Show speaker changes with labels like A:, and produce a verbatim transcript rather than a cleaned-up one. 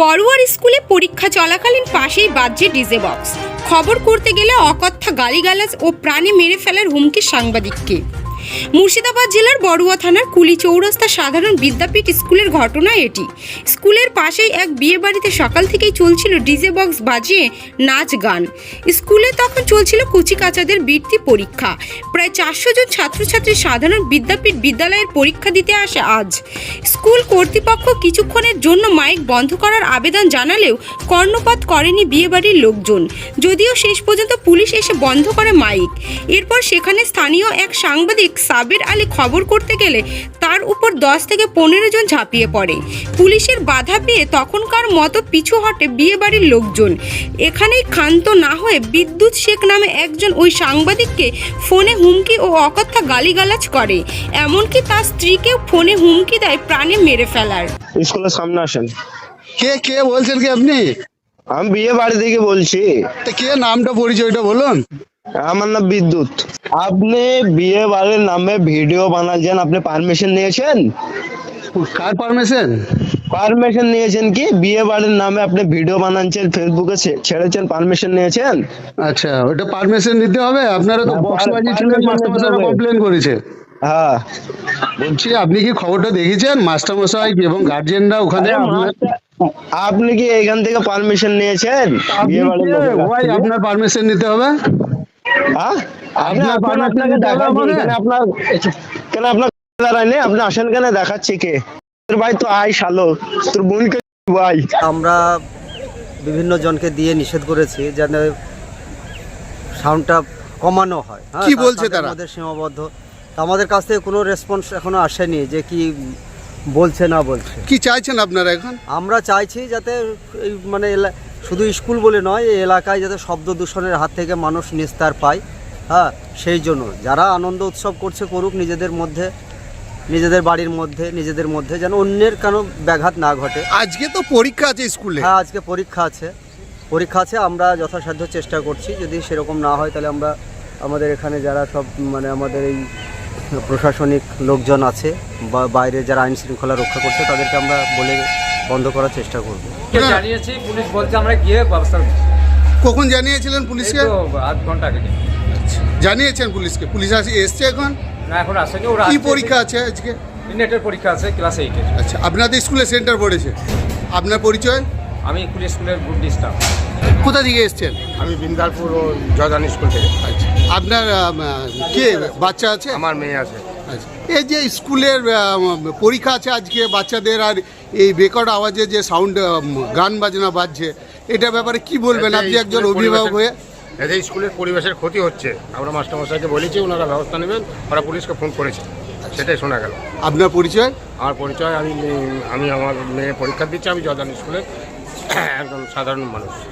A: বড়ুয়ার স্কুলে পরীক্ষা চলাকালীন পাশেই বাজছে ডিজে বক্স। খবর করতে গেলে অকথ্য গালিগালাজ ও প্রাণে মেরে ফেলার হুমকি সাংবাদিককে। মুর্শিদাবাদ জেলার বড়ুয়া থানার কুলি চৌরাস্তা সাধারণ বিদ্যাপীঠ স্কুলের ঘটনা এটি। স্কুলের পাশেই এক বিয়ে বাড়িতে সকাল থেকেই চলছিল ডিজে বক্স বাজিয়ে নাচ গান। স্কুলে তখন চলছিল কুচিকাচাদের বৃত্তি পরীক্ষা। প্রায় চারশো জন ছাত্রছাত্রী সাধারণ বিদ্যাপীঠ বিদ্যালয়ের পরীক্ষা দিতে আসে আজ। স্কুল কর্তৃপক্ষ কিছুক্ষণের জন্য মাইক বন্ধ করার আবেদন জানালেও কর্ণপাত করেনি বিয়েবাড়ির লোকজন। যদিও শেষ পর্যন্ত পুলিশ এসে বন্ধ করে মাইক। এরপর সেখানে স্থানীয় এক সাংবাদিক সাবির আলী খবর করতে গেলে তার উপর দশ থেকে পনেরো জন ঝাঁপিয়ে পড়ে। পুলিশের বাধা পেয়ে তখনকার মতো পিছু হটে বিয়ে বাড়ির লোকজন। এখানেই ক্ষান্ত না হয়ে বিদ্যুৎ শেখ নামে একজন ওই সাংবাদিককে ফোনে হুমকি ও অকথ্য গালিগালাজ করে। এমনকি তার স্ত্রীকেও ফোনে হুমকি দেয় প্রাণে মেরে ফেলার।
B: স্কুলের সামনে আসেন।
C: কে কে বলছেন কি আপনি?
B: আমি বিয়ে বাড়ি থেকে বলছি।
C: তা কে নামটা পরিচয়টা বলুন।
B: আমার নাম বিদ্যুৎ। আপনি বিয়ে বাড়ির নামে ভিডিও বানাচ্ছেন, আপনি পারমিশন নিয়েছেন?
C: কার পারমিশন?
B: পারমিশন নিয়েছেন কি? বিয়ে বাড়ির নামে আপনি ভিডিও বানাচ্ছেন, ফেসবুকে ছেড়েছেন, পারমিশন নিয়েছেন?
C: আচ্ছা, ওটা পারমিশন নিতে হবে? আপনারা তো বক্স বাজিয়েছিলেন, মাস্টারমশাইরা কমপ্লেন করেছে।
B: হ্যাঁ,
C: বলছি আপনি কি খবরটা দেখেছেন? মাস্টারমশাই এবং গার্জিয়ানরা ওখানে
B: আপনি কি এখান থেকে পারমিশন নিয়েছেন? বিয়ে বাড়ির
C: ভাই আপনার পারমিশন নিতে হবে।
B: হ্যাঁ, আপনি
C: আপনার পারমিশন
B: আপনাকে
C: নিতে হবে
B: দেখাচ্ছি
C: আমাদের।
B: এখানে আপনার কেন আপনার দাঁড়ায়নি? আপনি আসেন কেন? দেখাচ্ছি কে তোর ভাই? তো আই শালো, তোর বোনকে ভাই।
D: আমরা বিভিন্ন জনকে দিয়ে নিষেধ করেছি যেন সাউন্ডটা কমানো হয়। হ্যাঁ,
C: কি বলছে তারা?
D: আমাদের সীমাবদ্ধ। আমাদের কাছ থেকে কোনো রেসপন্স এখনো আসেনি যে কি বলছে না বলছে।
C: কি চাইছেন আপনারা এখন?
D: আমরা চাইছি যাতে এই মানে এলা- শুধু স্কুল বলে নয়, এই এলাকায় যাতে শব্দ দূষণের হাত থেকে মানুষ নিস্তার পায়। হ্যাঁ, সেই জন্য যারা আনন্দ উৎসব করছে করুক নিজেদের মধ্যে, নিজেদের বাড়ির মধ্যে, নিজেদের মধ্যে, যেন অন্যের কোনো ব্যাঘাত না ঘটে।
C: আজকে তো পরীক্ষা আছে স্কুলে।
D: হ্যাঁ, আজকে পরীক্ষা আছে পরীক্ষা আছে আমরা যথাসাধ্য চেষ্টা করছি। যদি সেরকম না হয় তাহলে আমরা আমাদের এখানে যারা সব মানে আমাদের এই প্রশাসনিক লোকজন আছে বা বাইরে যারা আইন শৃঙ্খলা রক্ষা করছে তাদেরকে আমরা বলে বন্ধ করার চেষ্টা করব।
E: জানিয়েছি, পুলিশ বলছে আমরা গিয়ে ব্যবস্থা নিচ্ছি।
C: কখন জানিয়েছিলেন পুলিশকে?
E: এই তো আধ ঘন্টা আগে।
C: জানিয়েছেন পুলিশকে? পুলিশ আসে এসছে এখন?
E: না, এখন আসেনি। ওরা
C: কি
E: আসছে।
C: পরীক্ষা আছে আজকে?
E: নেটের পরীক্ষা আছে, ক্লাস এইটের।
C: আচ্ছা, আপনাদের স্কুলে সেন্টার পড়েছে। আপনার পরিচয়?
E: আমি কুলি স্কুলের গ্রুপ ডি স্টাফ।
C: কোথা থেকে এসছেন?
F: আমি বিন্দালপুর ও জয়দান স্কুল থেকে।
C: আচ্ছা, আপনার আম, কে বাচ্চা আছে?
F: আমার মেয়ে আছে।
C: আচ্ছা, এই যে স্কুলের আম, পরীক্ষা আছে আজকে বাচ্চাদের, আর এই রেকর্ড আওয়াজে যে সাউন্ড গান বাজনা বাজছে, এটা ব্যাপারে কি বলবেন
F: এতে
C: আপনি একজন
F: স্কুলের
C: অভিভাবক হয়ে?
F: এতে স্কুলের পরিবেশের ক্ষতি হচ্ছে। আমরা মাস্টারমশাইকে বলেছি, ওনারা ব্যবস্থা নেবেন। ওরা পুলিশকে ফোন করেছে, সেটাই শোনা গেল।
C: আপনার পরিচয়?
F: আমার পরিচয়, আমি আমি আমার মেয়ে পরীক্ষা দিচ্ছি। আমি জয়দান স্কুলের একজন সাধারণ মানুষ।